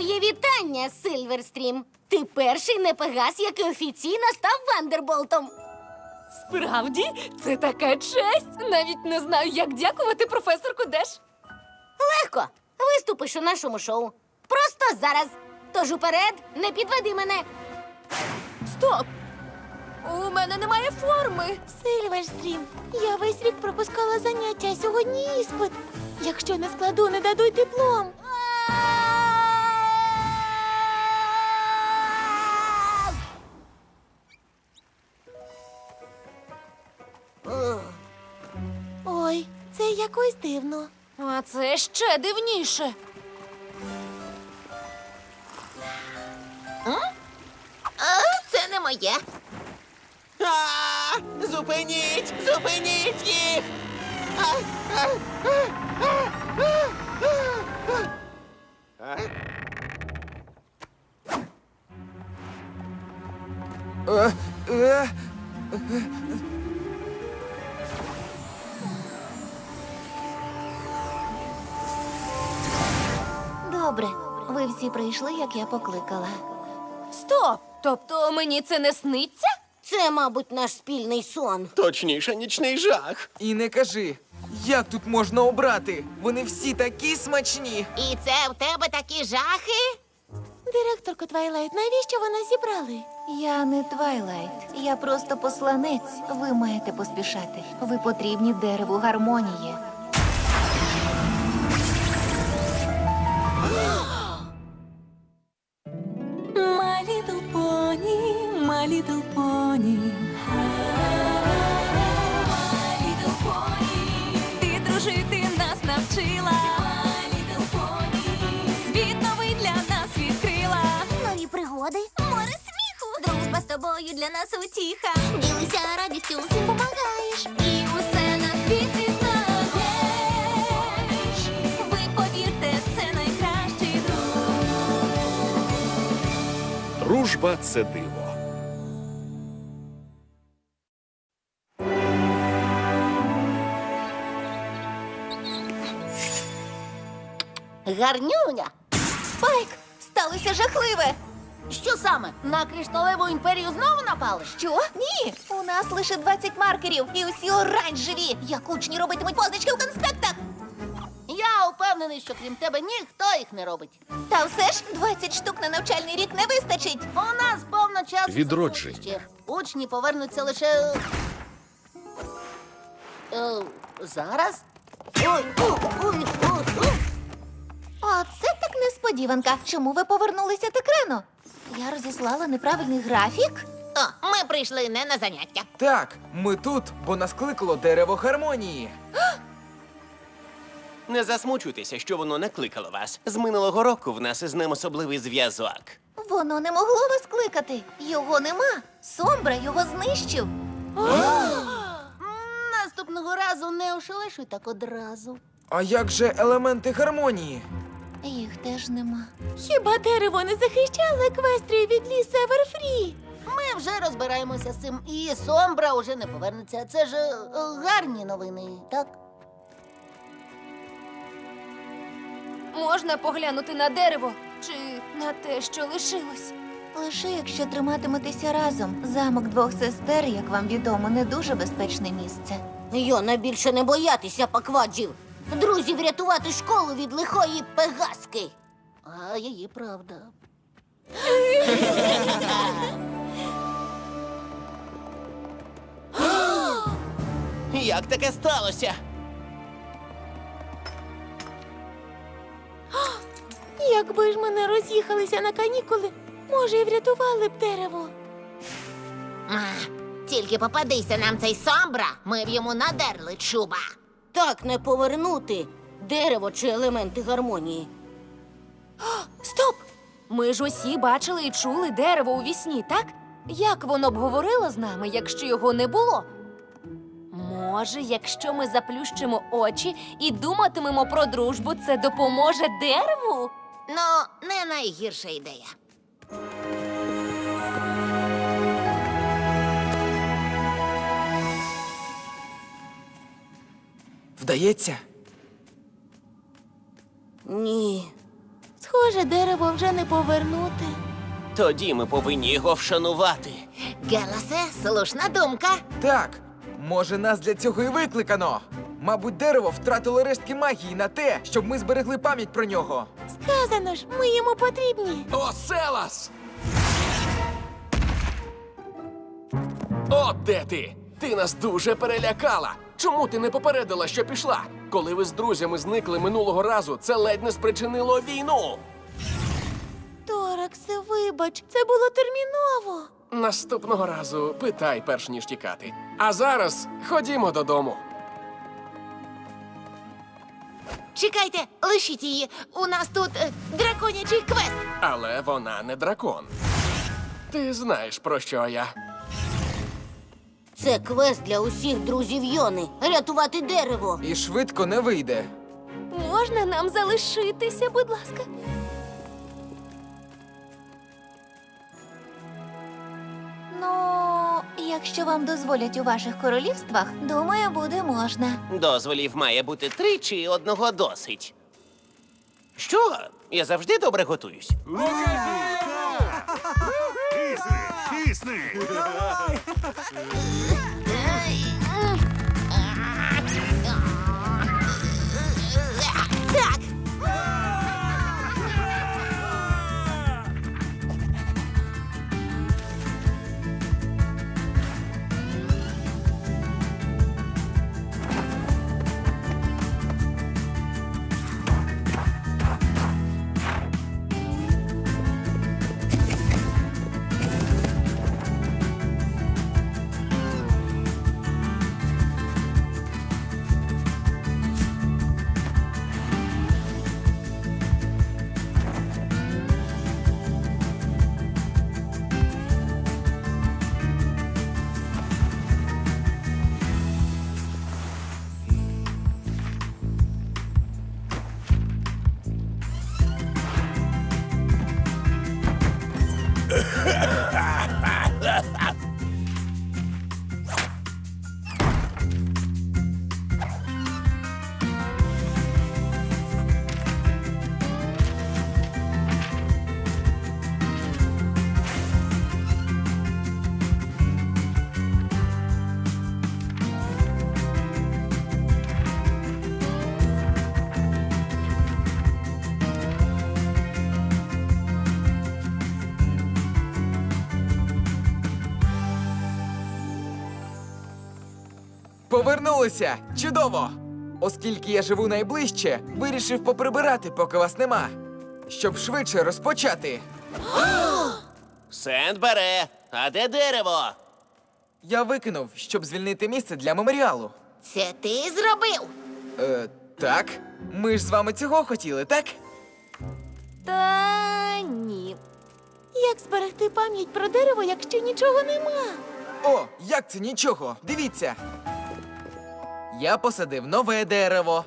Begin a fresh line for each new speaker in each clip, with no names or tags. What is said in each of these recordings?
Мої вітання, Сильверстрім. Ти перший непегас, який офіційно став Вандерболтом.
Справді? Це така честь! Навіть не знаю, як дякувати професорку Деш.
Легко. Виступиш у нашому шоу. Просто зараз. Тож уперед, не підведи мене.
Стоп! У мене немає форми.
Сильверстрім, я весь рік пропускала заняття, сьогодні іспит. Якщо не складу, не дадуть диплом. Ой, це якось дивно.
А це ще дивніше.
Це не моє.
Зупиніть! Зупиніть їх!
Добре, ви всі прийшли, як я покликала.
Стоп! Тобто мені це не сниться?
Це, мабуть, наш спільний сон.
Точніше, нічний жах.
І не кажи, як тут можна обрати? Вони всі такі смачні.
І це в тебе такі жахи? Директорко Твайлайт, навіщо ви нас зібрали? Я не Твайлайт, я просто посланець. Ви маєте поспішати. Ви потрібні дереву гармонії.
My little pony, my little pony. My little pony. Ти дружити нас навчила. My little pony. Світ новий для нас відкрила.
Нові пригоди,
Море сміху. Дружба з тобою для нас утіха.
ділися радістю, всім помагаєш.
І усе на світі знаєш. Ви повірте, це найкращий друг.
Дружба – це диво.
Гарнюня.
Спайк, сталося жахливе.
Що саме? На кришталеву імперію знову напали?
Що? Ні, у нас лише 20 маркерів і усі оранжеві. Як учні робитимуть позначки у конспектах.
Я упевнений, що крім тебе ніхто їх не робить.
Та все ж 20 штук на навчальний рік не вистачить.
У нас повно часу.
Відродження.
Ще. Учні повернуться лише. Зараз? Ой, ой.
Оце так несподіванка. Чому ви повернулися так рано? Я розіслала неправильний графік. Ми прийшли не на заняття.
Так, ми тут, бо нас кликало дерево гармонії.
Не засмучуйтеся, що воно не кликало вас. З минулого року в нас із ним особливий зв'язок.
Воно не могло вас кликати. Його нема. Сомбра його знищив.
Наступного разу не ошелешуй так одразу.
А як же елементи гармонії?
Їх теж нема. Хіба дерево не захищало еквестрію від лісу Еверфрі?
Ми вже розбираємося з цим, і Сомбра уже не повернеться. Це ж гарні новини, так?
Можна поглянути на дерево чи на те, що лишилось?
Лише якщо триматиметеся разом. Замок двох сестер, як вам відомо, не дуже безпечне місце.
Йона більше не боятися пакваджів. Друзів рятувати школу від лихої пегаски. А її правда.
Як таке сталося?
Якби ж ми не роз'їхалися на канікули, може, і врятували б дерево.
Тільки попадися нам цей Сомбра, ми б йому надерли чуба.
Так не повернути дерево чи елементи гармонії.
Стоп! Ми ж усі бачили і чули дерево у вісні, так? Як воно б говорило з нами, якщо його не було? Може, якщо ми заплющимо очі і думатимемо про дружбу, це допоможе дереву?
Ну, не найгірша ідея.
Вдається?
Ні.
Схоже, дерево вже не повернути.
Тоді ми повинні його вшанувати.
Геласе, слушна думка.
Так, може, нас для цього і викликано. Мабуть, дерево втратило рештки магії на те, щоб ми зберегли пам'ять про нього.
Сказано ж, ми йому потрібні.
О, Селас! От де ти! Ти нас дуже перелякала! Чому ти не попередила, що пішла? Коли ви з друзями зникли минулого разу, це ледь не спричинило війну!
Тораксе, вибач, це було терміново.
Наступного разу питай, перш ніж тікати. А зараз ходімо додому.
Чекайте, лишіть її. У нас тут драконячий квест.
Але вона не дракон. Ти знаєш, про що я.
Це квест для усіх друзів Йони. Рятувати дерево.
І швидко не вийде.
Можна нам залишитися, будь ласка?
Ну, якщо вам дозволять у ваших королівствах, думаю, буде можна.
Дозволів має бути 3 чи одного досить. Що? Я завжди добре готуюсь.
Так,
Повернулися! Чудово! Оскільки я живу найближче, вирішив поприбирати, поки вас нема. Щоб швидше розпочати.
Сент бере. А де дерево?
Я викинув, щоб звільнити місце для меморіалу.
це ти зробив.
Так. Ми ж з вами цього хотіли, так?
Та ні.
Як зберегти пам'ять про дерево, якщо нічого нема?
О, як це нічого? Дивіться. Я посадив нове дерево.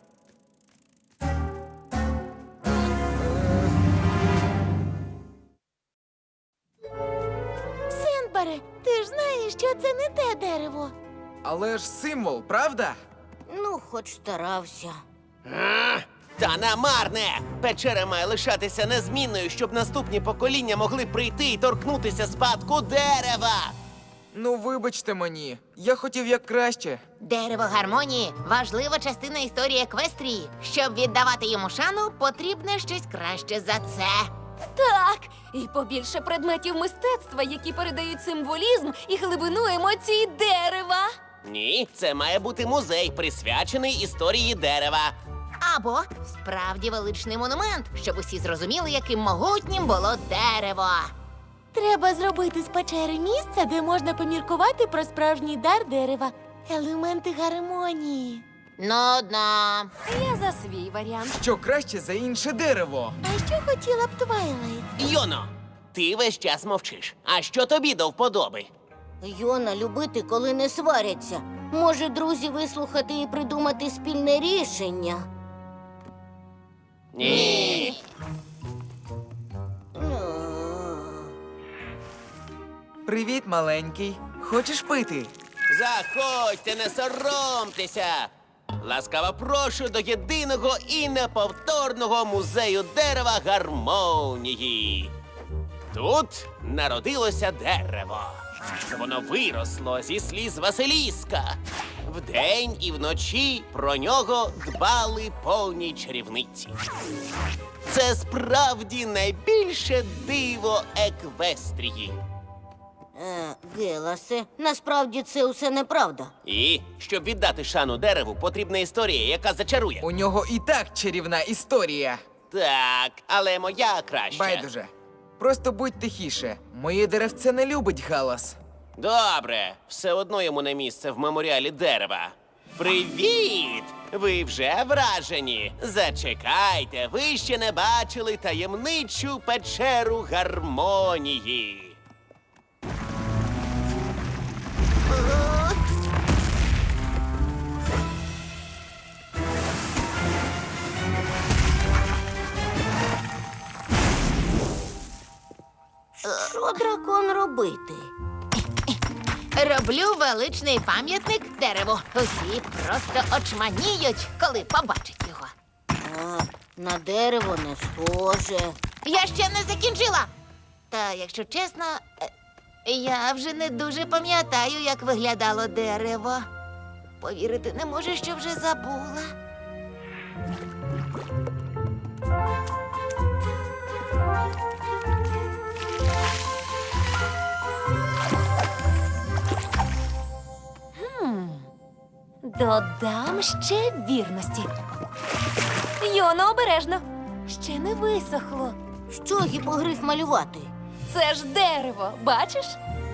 Сенбере, ти ж знаєш, що це не те дерево.
Але ж символ, правда?
Ну, хоч старався.
Та намарне! Печера має лишатися незмінною, щоб наступні покоління могли прийти і торкнутися спадку дерева.
Ну, вибачте мені. Я хотів як краще.
Дерево гармонії важлива частина історії Еквестрії. Щоб віддавати йому шану, потрібне щось краще за це.
Так, і побільше предметів мистецтва, які передають символізм і глибину емоцій дерева.
Ні, це має бути музей, присвячений історії дерева.
Або справді величний монумент, щоб усі зрозуміли, яким могутнім було дерево.
Треба зробити з печери місце, де можна поміркувати про справжній дар дерева. Елементи гармонії.
Нудно.
Я за свій варіант.
Що краще за інше дерево?
А що хотіла б Твайлайт?
Йоно, ти весь час мовчиш. А що тобі до вподоби?
Йона любити, коли не сваряться. Може, друзі вислухати і придумати спільне рішення.
Ні.
Привіт, маленький. Хочеш пити?
Заходьте, не соромтеся. Ласкаво прошу до єдиного і неповторного музею дерева гармонії. Тут народилося дерево. Воно виросло зі сліз Василіска. Вдень і вночі про нього дбали повні чарівниці. Це справді найбільше диво Еквестрії.
Геласе, насправді це усе неправда.
І, щоб віддати шану дереву, потрібна історія, яка зачарує.
У нього і так чарівна історія.
Так, але моя краще.
Байдуже. Просто будь тихіше. Моє деревце не любить галас.
Добре, все одно йому не місце в меморіалі дерева. Привіт! Ви вже вражені? Зачекайте, ви ще не бачили таємничу печеру гармонії.
Що дракон робити?
Роблю величний пам'ятник дереву. Усі просто очманіють, коли побачать його.
На дерево не схоже.
Я ще не закінчила. Та, якщо чесно, я вже не дуже пам'ятаю, як виглядало дерево. Повірити не можу, що вже забула.
Додам ще вірності. Йоно, обережно. Ще не висохло.
Що гіпогриф малювати?
Це ж дерево, бачиш?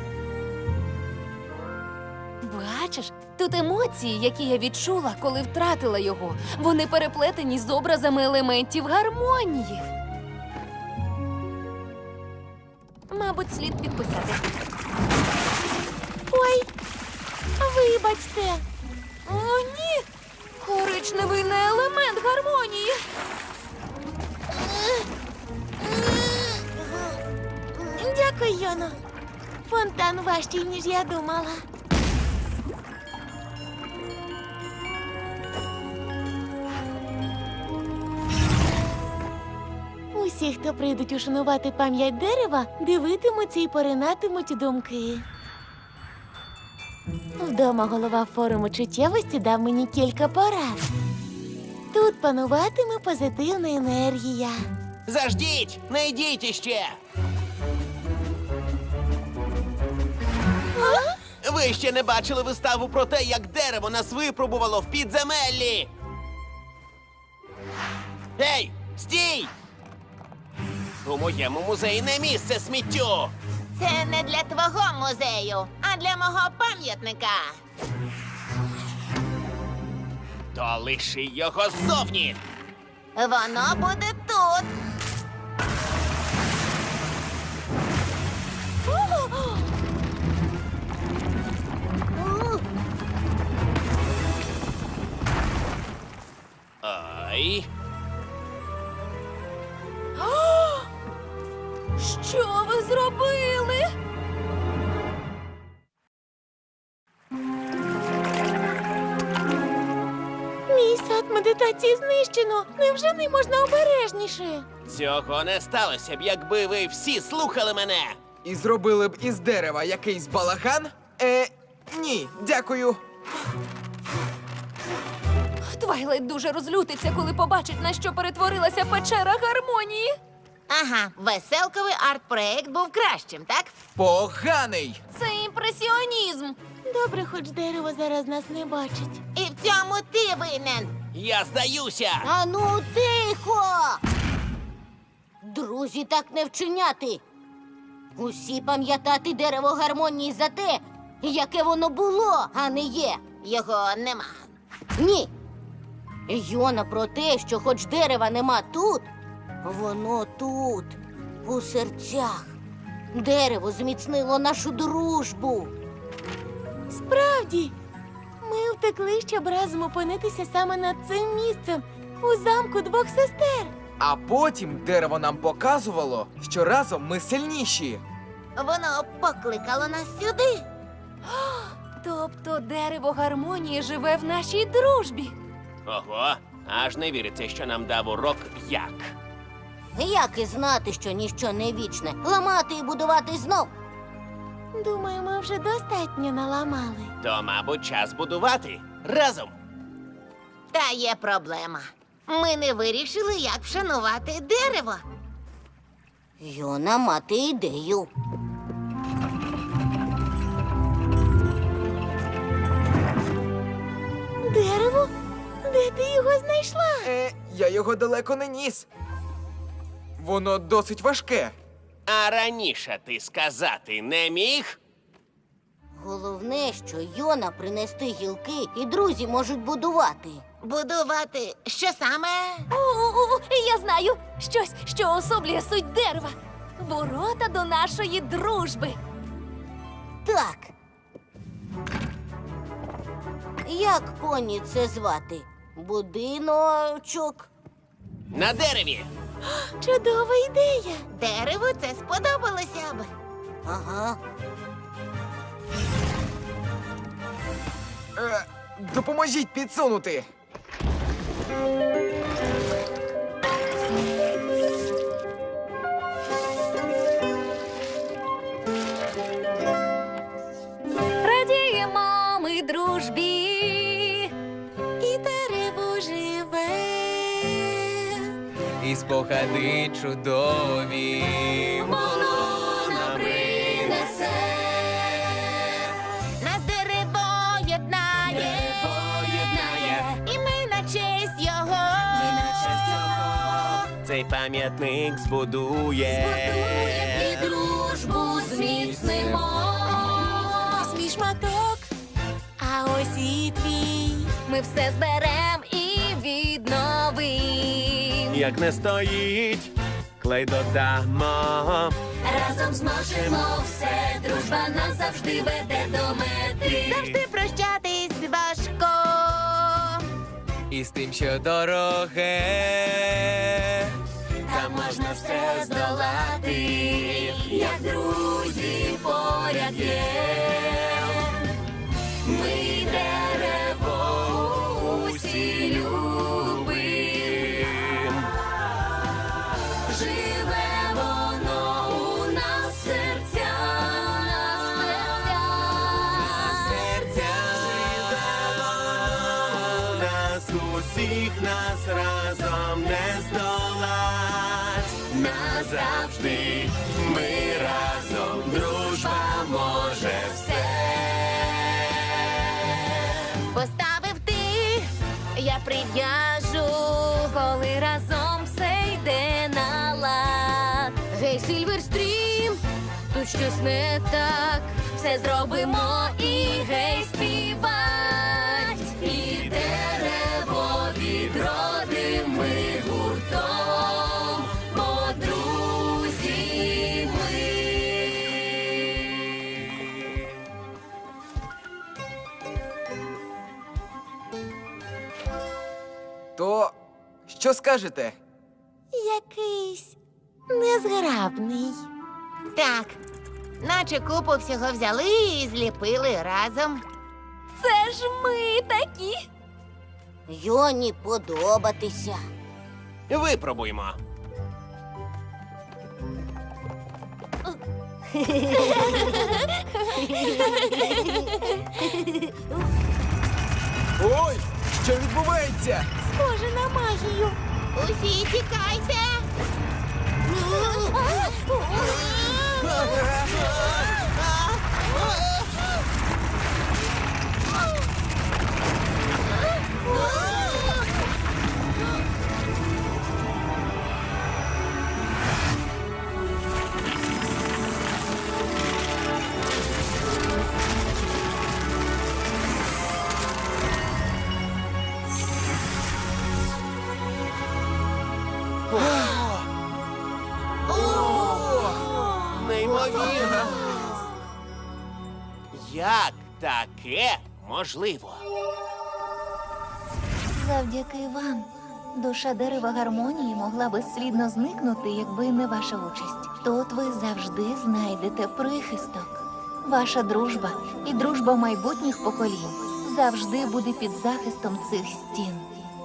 Бачиш, тут емоції, які я відчула, коли втратила його. Вони переплетені з образами елементів гармонії. Мабуть, слід підписати.
Ой, вибачте.
О, ні! Коричневий не елемент гармонії.
Дякую, Йоно. Фонтан важчий, ніж я думала. Усі, хто прийдуть ушанувати пам'ять дерева, дивитимуться і поринатимуть у думки. Вдома голова форуму чуттєвості дав мені кілька порад. Тут пануватиме позитивна енергія.
Заждіть! Не йдіть іще! Ви ще не бачили виставу про те, як дерево нас випробувало в підземеллі! Ей, стій! У моєму музеї не місце сміттю!
Це не для твого музею, а для мого пам'ятника.
То лиши його ззовні!
Воно буде тут.
Ай!
Що ви зробили?
Мій сад медитації знищено. Невже не можна обережніше?
Цього не сталося б, якби ви всі слухали мене!
І зробили б із дерева якийсь балаган? Ні, дякую.
Твайлайт дуже розлютиться, коли побачить, на що перетворилася печера гармонії.
Ага, веселковий арт-проект був кращим, так?
Поганий!
Це імпресіонізм.
Добре, хоч дерево зараз нас не бачить.
І в цьому ти винен.
Я здаюся!
Ану, тихо! Друзі, так не вчиняти. Усі пам'ятати дерево гармонії за те, яке воно було, а не є.
Його нема.
Ні. Йона про те, що хоч дерева нема тут, воно тут, у серцях. Дерево зміцнило нашу дружбу.
Справді, ми втекли, щоб разом опинитися саме над цим місцем, у замку двох сестер.
А потім дерево нам показувало, що разом ми сильніші.
Воно покликало нас сюди.
Тобто дерево гармонії живе в нашій дружбі.
Ого, аж не віриться, що нам дав урок як.
Як і знати, що ніщо не вічне? Ламати і будувати знов.
Думаю, ми вже достатньо наламали.
То, мабуть, час будувати разом.
Та є проблема. Ми не вирішили, як вшанувати дерево.
Йона мати ідею.
Дерево? Де ти його знайшла?
Я його далеко не ніс. Воно досить важке.
А раніше ти сказати не міг?
Головне, що Йона принести гілки, і друзі можуть будувати.
Будувати що саме?
Я знаю щось, що особлює суть дерева. Ворота до нашої дружби.
Так. Як поні це звати? Будиночок.
На дереві.
Чудова ідея.
Дереву це сподобалося б.
Ага.
Допоможіть підсунути.
Радіємо ми дружбі.
І дерево живе.
І спогади чудові.
Воно нам принесе.
Нас дерево єднає. І ми на честь його.
Цей пам'ятник збудує.
І дружбу зміцнимо. Свій шматок, а ось і твій.
Ми все зберем і відновим.
Як не стоїть, клей додамо.
Разом зможемо все. Дружба нас завжди веде до мети.
Завжди прощатись важко.
І з тим, що дороге.
Та можна все здолати, як друзі поряд є. Ми дерево усі любим. Живе воно у нас в
Нас усіх нас разом не здолать. Назавжди ми разом, дружба може все.
Поставив ти, я прив'яжу.
Коли разом все йде на лад. Гей, Сильверстрім, тут щось не так. Все зробимо і гей, співать.
І дерево відродим ми гуртом, бо друзі ми.
То що скажете?
Якийсь незграбний.
Так, наче купу всього взяли і зліпили разом.
Це ж ми такі.
Йоні подобатися.
Випробуймо.
Ой, що відбувається?
Схоже на магію.
Усі тікайте.
Неймовірно. Як таке можливо?
Завдяки вам. Душа дерева гармонії могла безслідно зникнути, якби не ваша участь. Тут ви завжди знайдете прихисток. Ваша дружба і дружба майбутніх поколінь завжди буде під захистом цих стін.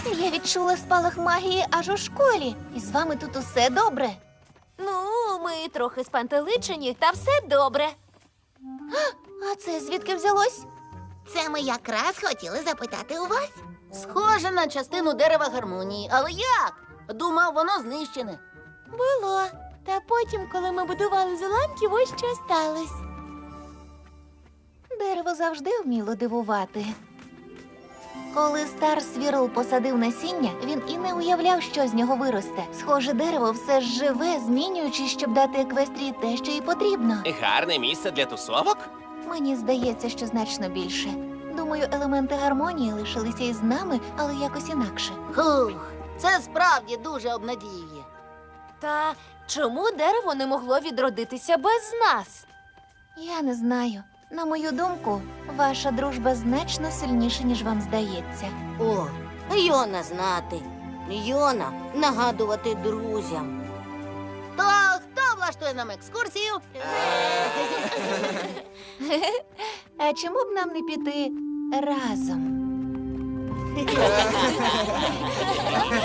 Я відчула спалах магії аж у школі. І з вами тут усе добре.
Ну, ми трохи спантеличені, та все добре.
А це звідки взялось?
Це ми якраз хотіли запитати у вас.
Схоже на частину дерева гармонії, але як? Думав, воно знищене.
Було. Та потім, коли ми будували з уламків, ось що сталося. Дерево завжди вміло дивувати. Коли Стар Свірл посадив насіння, він і не уявляв, що з нього виросте. Схоже, дерево все ж живе, змінюючись, щоб дати еквестрії те, що їй потрібно.
Гарне місце для тусовок?
Мені здається, що значно більше. Думаю, елементи гармонії лишилися із нами, але якось інакше.
Хух, це справді дуже обнадіює.
Та чому дерево не могло відродитися без нас?
Я не знаю. На мою думку, ваша дружба значно сильніша, ніж вам здається.
О, Йона знати. Йона нагадувати друзям. То хто влаштує нам екскурсію?
А чому б нам не піти разом?